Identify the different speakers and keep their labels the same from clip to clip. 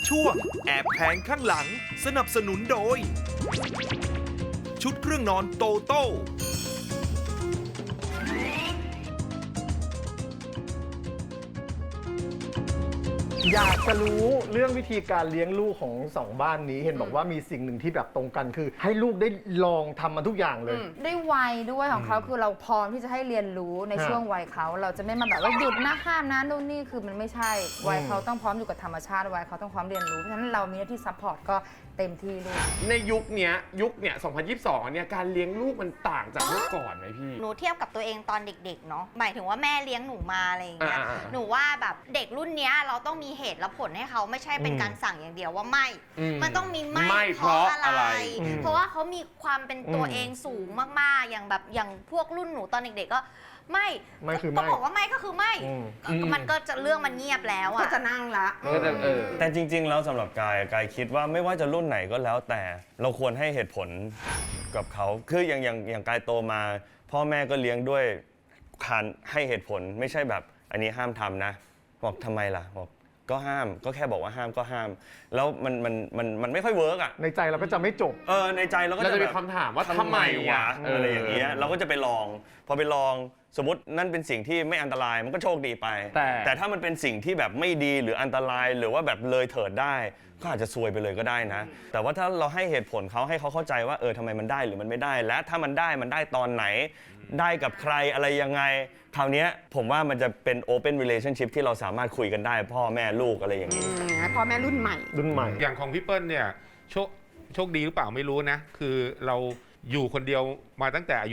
Speaker 1: ช่วงแอบแผงข้างหลังสนับสนุนโดย ชุดเครื่องนอนโตโต้
Speaker 2: อยากจะรู้เรื่องวิธีการเลี้ยงลูกของสองบ้านนี้เห็นบอกว่ามีสิ่งหนึ่งที่แบบตรงกันคือ ให้ลูกได้ลองทำมันทุกอย่างเลย
Speaker 3: ได้วัยด้วยของเขาคือเราพร้อมที่จะให้เรียนรู้ในช่วงวัยเขาเราจะไม่มาแบบว่าหยุดนะห้ามนะนู่นนี่คือมันไม่ใช่วัยเขาต้องพร้อมอยู่กับธรรมชาติวัยเขาต้องพร้อมเรียนรู้เพราะฉะนั้นเรามีหน้าที่ซัพพอร์ตก็เต็มที่เลย
Speaker 4: ในยุคเนี่ย2022เนี่ยการเลี้ยงลูกมันต่างจากเมื่อก่อนไหมพี่
Speaker 5: หนูเทียบกับตัวเองตอนเด็กๆเนาะหมายถึงว่าแม่เลี้ยงหนูมาอะไรอย่างเงี้ยหนูว่าแบบเด็กรุ่นเนี้ยเราต้องมีเหตุและผลให้เขาไม่ใช่เป็นการสั่งอย่างเดียวว่าไม่ มันต้องมีไม่เพราะอะไร เพราะว่าเขามีความเป็นตัวเองสูงมากๆอย่างพวกรุ่นหนูตอนเด็กๆก็ไม่
Speaker 2: คือไม่
Speaker 5: ก็บอกว่าไม่ก็คือไม่มันก็จะเรื่องมันเงียบแล้วอะ
Speaker 3: ก็จะนั่งละ
Speaker 6: แต่จริงๆแล้วสำหรับกายคิดว่าไม่ว่าจะรุ่นไหนก็แล้วแต่เราควรให้เหตุผลกับเขาคืออย่างกายโตมา พ่อแม่ก็เลี้ยงด้วยการให้เหตุผลไม่ใช่แบบอันนี้ห้ามทำนะบอกทำไมล่ะบอกก็ห้ามก็แค่บอกว่าห้ามก็ห้าม แล้วมันไม่ค่อยเวิร์กอ่ะ
Speaker 2: ในใจเราก็จะไม่จบ
Speaker 6: ในใจเราก็
Speaker 4: เรา
Speaker 6: จะ
Speaker 4: จะ
Speaker 6: แบ
Speaker 4: มี
Speaker 6: บ
Speaker 4: คำถามว่าทำไมวะ
Speaker 6: อะไรอย่างเงี้ยเราก็จะไปลองพอไปลองสมมตินั่นเป็นสิ่งที่ไม่อันตรายมันก็โชคดีไป แต่ถ้ามันเป็นสิ่งที่แบบไม่ดีหรืออันตรายหรือว่าแบบเลยเถิดได้ก็อาจจะซวยไปเลยก็ได้นะ แต่ว่าถ้าเราให้เหตุผลเขาให้เขาเข้าใจว่าทำไมมันได้หรือมันไม่ได้และถ้ามันได้ตอนไหนได้กับใครอะไรยังไงคราวนี้ผมว่ามันจะเป็น open relationship ที่เราสามารถคุยกันได้พ่อแม่ลูกอะไรอย่างนี้
Speaker 3: พ่อแม่รุ่นใหม่
Speaker 7: อย่างของพี่เปิ้ลเนี่ยโชคดีหรือเปล่าไม่รู้นะ คือเราอยู่คนเดียวมาตั้งแต่อายุ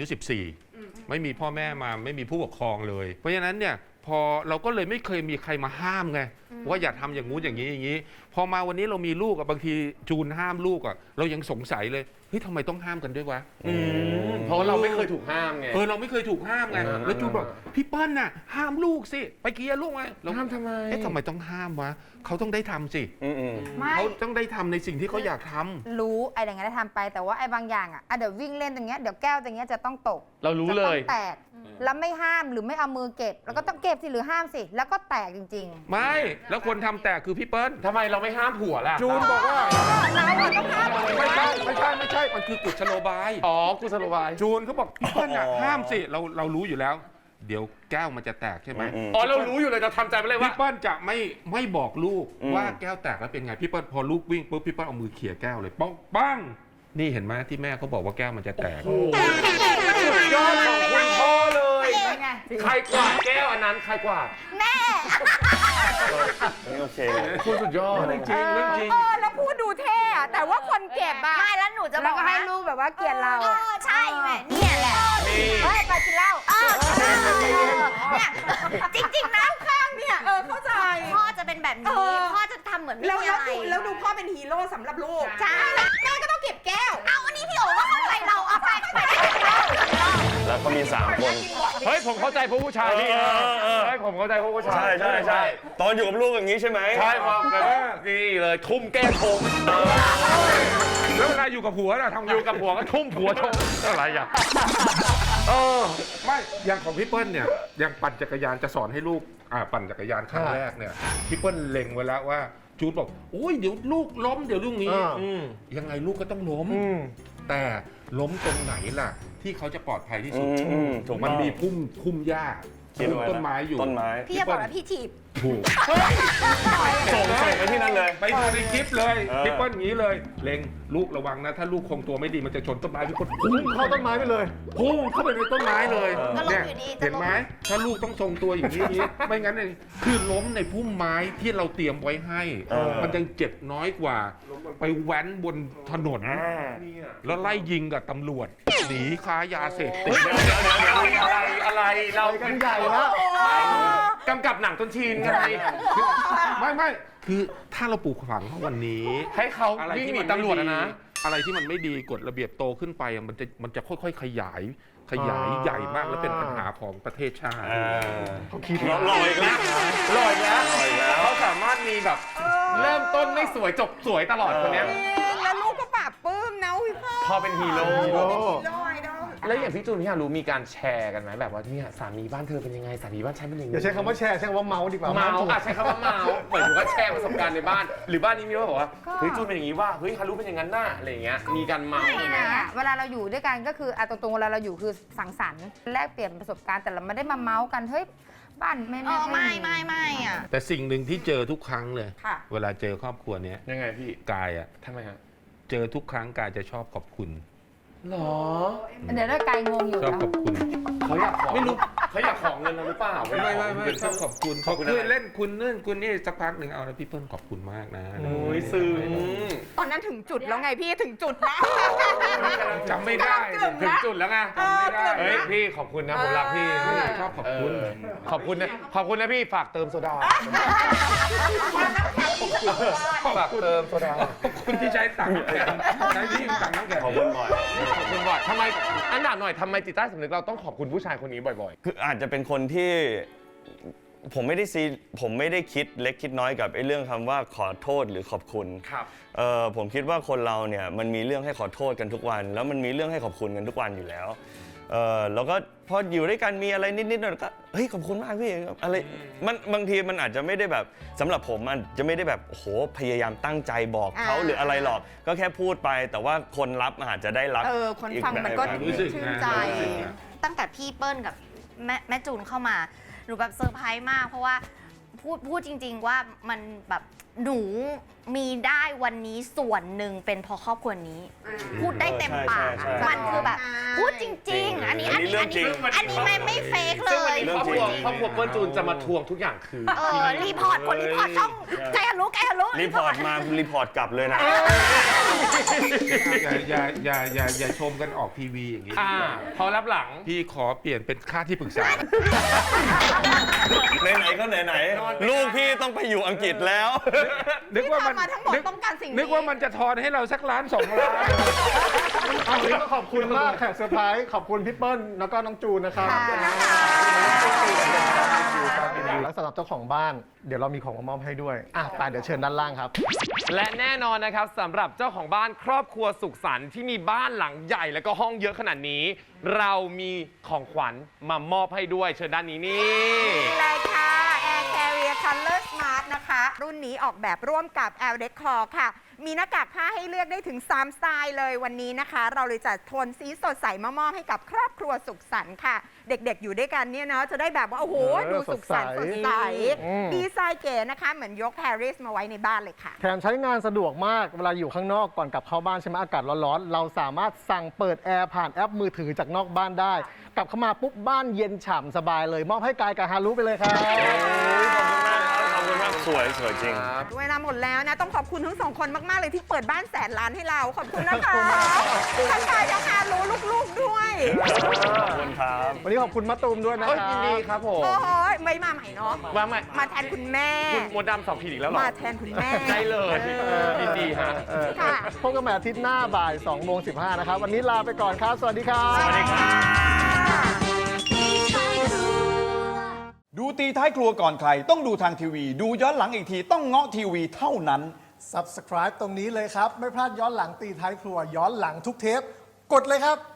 Speaker 7: 14 ไม่มีพ่อแม่มาไม่มีผู้ปกครองเลย เพราะฉะนั้นเนี่ยพอเราก็เลยไม่เคยมีใครมาห้ามไงว่าอย่าทำอย่างงู้นอย่างนี้อย่างนี้พอมาวันนี้เรามีลูกบางทีจูนห้ามลูกเรายังสงสัยเลยเฮ้ยทำไมต้องห้ามกันด้วยวะ
Speaker 4: เพราะเราไม่เคยถูกห้ามไง
Speaker 7: เราไม่เคยถูกห้ามไงแล้วจูนบอกพี่เปิ้ลน่ะห้ามลูกสิไปเกียร์ลูกไงเราห้ามทำไมทำไมต้องห้ามวะเขาต้องได้ทำสิ
Speaker 3: ไม่
Speaker 7: เขาต้องได้ทำในสิ่งที่เขาอยากทำ
Speaker 3: รู้ไอ้อย่างงี้นได้ทำไปแต่ว่าไอ้บางอย่างเดี๋ยววิ่งเล่นตรงเงี้ยเดี๋ยวแก้วตรงเงี้ยจะต้องตก
Speaker 4: เรารู้เลย
Speaker 3: จะต้องแตกแล้วไม่ห้ามหรือไม่เอามือเก็บแล้วก็ต้องเก็บสิหรือห้ามสิแล้วก็แตกจริงๆ
Speaker 7: ไม่แล้วคนทำแตกคือพี่เปิ้ล
Speaker 4: ทำไมเราไม่ห้ามผัวล่ะ
Speaker 7: จูนบอกว่า
Speaker 3: เราต้องห้าม
Speaker 7: ไม่ใช่มันคือกุศโลบาย
Speaker 4: กุศโลบาย
Speaker 7: จูนเขาบอกพี่เปิ้ลห้ามสิเรารู้อยู่แล้ว เดี๋ยวแก้วมันจะแตกใช่ไหม
Speaker 4: เรารู้อยู่เลยเราทำใจไปเลยว่า
Speaker 7: พี่เปิ้ลจะไม่บอกลูกว่าแก้วแตกแล้วเป็นไงพี่เปิ้ลพอลูกวิ่งปุ๊บพี่เปิ้ลเอามือเขี่ยแก้วเลยปั้งนี่เห็นไหมที่แม่เขาบอกว่าแก้วมันจะแตก
Speaker 4: ยอดของคุณพ่อเลย ใครกวาดแก้วอันนั้นใครกวาด
Speaker 6: โอเค
Speaker 4: คุณสุดยอด
Speaker 7: เรื่องจริงเรื่องจริง
Speaker 3: แล้วพูดดูเท่อะแต่ว่าคนเก็บอะ
Speaker 5: ไม่แล้วหนูจะบ
Speaker 3: แล้
Speaker 5: อ
Speaker 3: ว
Speaker 5: ก
Speaker 3: ก็ให้
Speaker 5: นะ
Speaker 3: ลูกแบบว่าเกลียดเรา
Speaker 5: ใช่แม่เนี่ยแหละ
Speaker 3: เฮ้ยไปกินเหล้า
Speaker 5: เนี่ยจริงๆนะ
Speaker 3: ข้างเนี่ยเข้าใจ
Speaker 5: พ่อจะเป็นแบบนี้พ่อจะทำเหมือนไม่มีอะไร
Speaker 3: แล้วดูพ่อเป็นฮีโร่สำหรับลูก
Speaker 5: ใช่
Speaker 3: แม่ก็ต้องเก็บแก้ว
Speaker 5: เอาอันนี้พี่โอ๋ก็เข้าใจเราเอาไป
Speaker 6: แล้วก็มี3คน
Speaker 4: เฮ้ยผมเข้าใจพวกผู้ชายพี่เฮ้ยผมเข้าใจพวกผู้ชาย
Speaker 6: ใช่ตอนอยู่กับลูกอย่างนี้ใช่ไหม
Speaker 4: ใช่มานี่เลยทุ่มแก้ชง
Speaker 7: แล้วเวลาอยู่กับผัวน่ะทำไง
Speaker 4: อยู่กับผัวก็ทุ่มผัวชงอะไรอ่ะ
Speaker 7: ไม่อย่างของพี่เปิ้ลเนี่ยอย่างปั่นจักรยานจะสอนให้ลูกปั่นจักรยานครั้งแรกเนี่ยพี่เปิ้ลเล็งไว้แล้วว่าจูนบอกโอ้ยเดี๋ยวลูกล้มเดี๋ยวลูกนี้ยังไงลูกก็ต้องล้มแต่ล้มตรงไหนล่ะ ที่เขาจะปลอดภัยที่สุด
Speaker 6: ถูก
Speaker 7: มันมีพุ่มหญ้า
Speaker 6: คิดไว้
Speaker 7: ต้นไม้อยู่
Speaker 6: ต้นไม้
Speaker 5: พี่จะบอกว่าพี่ถีบ
Speaker 7: ถูก
Speaker 6: ส่งไปที่นั่นเลย
Speaker 7: ไปดูในคลิปเลยพี่เปิ้ลอย่างนี้เลยเล็งลูกระวังนะ ถ้าลูกคงตัวไม่ดีมันจะชนต้นไม้พี่เปิ้ลพุ่ง
Speaker 2: เข้าต้นไม้ไปเลย
Speaker 7: พุ่งเข้าไปในต้นไม้เลย
Speaker 5: ก็ล้ม
Speaker 7: เนี่ย
Speaker 5: อยู่ดี
Speaker 7: เห็นไหมถ้าลูกต้องทรงตัวอย่างนี้ไม่งั้นเนี่ยคือล้มในพุ่มไม้ที่เราเตรียมไว้ให้ มันยังเจ็บน้อยกว่า ไปแว้นบนถนนแล้วไล่ยิงกับตำรวจหนีค้ายาเสพติด
Speaker 4: อะไรเรา
Speaker 2: กันใหญ่แล้ว
Speaker 4: กำกับหนังต้นชีนไง
Speaker 7: ไม่คือถ้าเราปลูกฝังเขาวันนี้
Speaker 4: ให้เขา
Speaker 7: อะไร
Speaker 4: วิ่ง
Speaker 7: ที่
Speaker 4: หนี
Speaker 7: มัน
Speaker 4: ตำรวจนะ
Speaker 7: อะไรที่มันไม่ดีกฎระเบียบโตขึ้นไปมันจะค่อยๆขยายใหญ่มากแล้วเป็นปัญหาของประเทศชาติ
Speaker 2: เขาคิด
Speaker 6: ลอยอีกแล้ว
Speaker 4: ลอยแล้วเขาสามารถมีแบบเริ่มต้นไม่สวยจบสวยตลอดคนเนี้ย
Speaker 3: แล้วลูกก็ปราบปลื้มนะพี่พ่อ
Speaker 4: พอเป็นฮีโร่
Speaker 3: ไอดอล
Speaker 4: แล้วอย่างพี่จูนพี่ฮารุมีการแชร์กันไหมแบบว่าเนี่ยสามีบ้านเธอเป็นยังไงสามีบ้านฉันเป็นยังไง
Speaker 2: อย่าใช้คำว่าแชร์ใช้คำว่าเมาส์ดีกว่า
Speaker 4: เมา
Speaker 2: ถูก
Speaker 4: ใช้คำว่าเมาเหมือนถึงว่าแชร์ประสบการณ์ในบ้าน หรือบ้านนี้มีว่าบอกว่าเฮ้ยจูนเป็นอย่างนี้ว่าเฮ้ยฮารุเป็นอย่างนั้นน่ะอะไรอย่างเงี้ยมีการเมา
Speaker 3: ไม่นะเวลาเราอยู่ด้วยกันก็คือตรงๆเวลาเราอยู่คือสังสรรค์แลกเปลี่ยนประสบการณ์แต่เราไม่ได้มาเมาส์กันเฮ้ยบ้านไม่
Speaker 5: ไม่อ่ะ
Speaker 7: แต่สิ่งหนึ่งที่เจอทุกครั้งเลย
Speaker 3: ค่ะ
Speaker 7: เวลาเจอครอบครัวเนี้ย
Speaker 4: ยังไงพี่
Speaker 7: กายอะ
Speaker 4: ทำไมฮะ
Speaker 7: เจอทุกครั้งกายจะชอบขอบคุณ
Speaker 4: หรอ
Speaker 3: เดี๋ยวได้กายงงอยู่
Speaker 7: ชอบ
Speaker 3: นะ
Speaker 7: ขอบคุณ
Speaker 4: เขาอยากขอไม่รู้เขาอยากของเงินเราหรือเปล่า
Speaker 7: ไม่ชอบขอบคุณเขาเคยเล่นคุณนู่นคุณนี่สักพักหนึ่งเอาแล้วพี่เปิ้ลขอบคุณมากนะ
Speaker 4: โอ้ยซึ้ง
Speaker 8: ตอนนั้นถึงจุดแล้วไงพี่ถึงจุดแล้ว
Speaker 7: จำไม่ได้
Speaker 4: ถึงจุดแล้วไง
Speaker 8: จำไม่ได้
Speaker 4: เฮ้ยพี่ขอบคุณนะผมรักพี่
Speaker 7: ชอบขอบคุณ
Speaker 4: ขอบคุณนะพี่ฝากเติมโซดาฝากเติมโซดา
Speaker 7: ขอบคุณที่ใช้ตังค์น้ำแข็งใช้ที่ตังค์น้ำแข็ง
Speaker 6: ขอบคุณบ่อย
Speaker 4: ขอบคุณบ่อยทำไมอันดับหน่อยทำไมจิตใต้สำนึกเราต้องขอบคุณผู้ชายคนนี้บ่อย
Speaker 6: คืออาจจะเป็นคนที่ผมไม่ได้คิดเล็กคิดน้อยกับไอ้เรื่องคำว่าขอโทษหรือขอบคุณ
Speaker 4: ๆครับ
Speaker 6: ผมคิดว่าคนเราเนี่ยมันมีเรื่องให้ขอโทษกันทุกวัน แล้วมันมีเรื่องให้ขอบคุณกันทุกวันอยู่แล้วแล้วก็พออยู่ด้วยกันมีอะไรนิดๆหน่อยๆก็เฮ้ยขอบคุณมากพี่อะไรมันบางทีมันอาจจะไม่ได้แบบสำหรับผมมันจะไม่ได้แบบโอ้โหพยายามตั้งใจบอกเขาหรืออะไรหรอกก็แค่พูดไป แต่ว่าคนรับอาจจะได้รับ
Speaker 8: คนฟังมันก็
Speaker 6: อีแบบ
Speaker 7: รู้สึก
Speaker 8: ชื่น
Speaker 7: นะ
Speaker 8: ใจ
Speaker 7: รู้สึกนะ
Speaker 5: ตั้งแต่พี่เปิ้ลกับแม่จูนเข้ามาหนูแบบเซอร์ไพรส์มาก เพราะว่าพูดจริง ๆว่ามันแบบหนูมีได้วันนี้ส่วนหนึ่งเป็นเพราะครอบครัวนี้ พูดได้เต็มปาก
Speaker 6: ใช่
Speaker 5: มันคือแบบ พูดจริง ๆ อันนี้ไม่เฟกเล
Speaker 4: ซึ่งวัน
Speaker 5: ย
Speaker 4: นี้ครอบครัวเปิ้ลจูนจะมาทวงทุกอย่างคืน
Speaker 5: รีพอร์ตคนรีพอร์ตช่องใจฮารุ
Speaker 6: รีพอร์ตมารีพอร์ตกลับเลยนะ
Speaker 7: อย่าชมกันออกทีวีอย่างนี้
Speaker 4: พอรับหลัง
Speaker 7: พี่ขอเปลี่ยนเป็นค่าที่ปรึกษา
Speaker 6: ไหนๆก็ไหนๆลูกพี่ต้องไปอยู่อังกฤษแล้ว
Speaker 7: นึกว่ามัน
Speaker 8: ที่ทำมาทั้งหมดต้องการสิ่งนี้
Speaker 7: นึกว่ามันจะทอนให้เราสักล้าน2 ล้าน
Speaker 2: เอาวันนี้ก็ขอบคุณมากแขกเซอร์ไพรส์ขอบคุณพี่เปิ้ลแล้วก็น้องจูนนะครับแล้วสำหรับเจ้าของบ้านเดี๋ยวเรามีของมามอบให้ด้วยไปเดี๋ยวเชิญด้านล่างครับ
Speaker 4: และแน่นอนนะครับสำหรับเจ้าของบ้านครอบครัวสุขสันต์ที่มีบ้านหลังใหญ่แล้วก็ห้องเยอะขนาดนี้ เรามีของขวัญมามอบให้ด้วยเชิญด้านนี้นี่
Speaker 8: นี่เลยค่ะ Air Carrier Color Smart นะคะ รุ่นนี้ออกแบบร่วมกับ L Decor ค่ะ มีหน้ากากผ้าให้เลือกได้ถึง 3 สไตล์เลยวันนี้นะคะ เราเลยจัดโทนสีสดใสมามอบให้กับครอบครัวสุขสันต์ค่ะ เด็กๆอยู่ด้วยกันเนี่ยเนาะจะได้แบบว่า โอ้โห ดูสุขสันต์สดใส ดีไซน์เก๋นะคะ เหมือนยก Paris มาไว้ในบ้านเลยค่ะ
Speaker 2: แถมใช้งานสะดวกมากเวลาอยู่ข้างนอกก่อนกลับเข้าบ้านใช่ไหมอากาศร้อนๆเราสามารถสั่งเปิดแอร์ผ่านแอปมือถือจากนอกบ้านได้ กลับเข้ามาปุ๊บบ้านเย็นฉ่ำสบายเลย มอบให้กายกับฮารุไปเลยครับ
Speaker 6: ขอบคุณมากสวยจริง
Speaker 8: เวลาหมดแล้วนะ ต้องขอบคุณทั้งสองคนมาก ๆ เลยที่เปิดบ้านแสนล้านให้เรา ขอบคุณนะคะทั้งกายทั้งฮารุลูก ๆ ด้วย
Speaker 6: ขอบคุณครับ
Speaker 2: วันนี้ขอบคุณมะตูมด้วยนะค
Speaker 4: เอ้ย
Speaker 2: รับ
Speaker 4: ยินดีครับผม
Speaker 8: โอ้โหไม่มาใหม่เนาะ
Speaker 4: ว่าไหม
Speaker 8: มาแทนคุณแม่
Speaker 4: คุณมดดำ2 ขีดอีกแล้วเหรอ
Speaker 8: มาแทนคุณแม่
Speaker 4: ได้เลยยินดีฮะ
Speaker 8: ค่ะ
Speaker 2: พบกันใหม่อาทิตย์หน้าบ่าย2:15นะครับ วันนี้ลาไปก่อนครับ สวัสดีครับ
Speaker 6: สวัสดีครับ
Speaker 9: ดูตีท้ายครัวก่อนใครต้องดูทางทีวี ดูย้อนหลังอีกทีต้องเงาะทีวีเท่านั้น
Speaker 2: Subscribe ตรงนี้เลยครับ ไม่พลาดย้อนหลังตีท้ายครัวย้อนหลังทุกเทป กดเลยครับ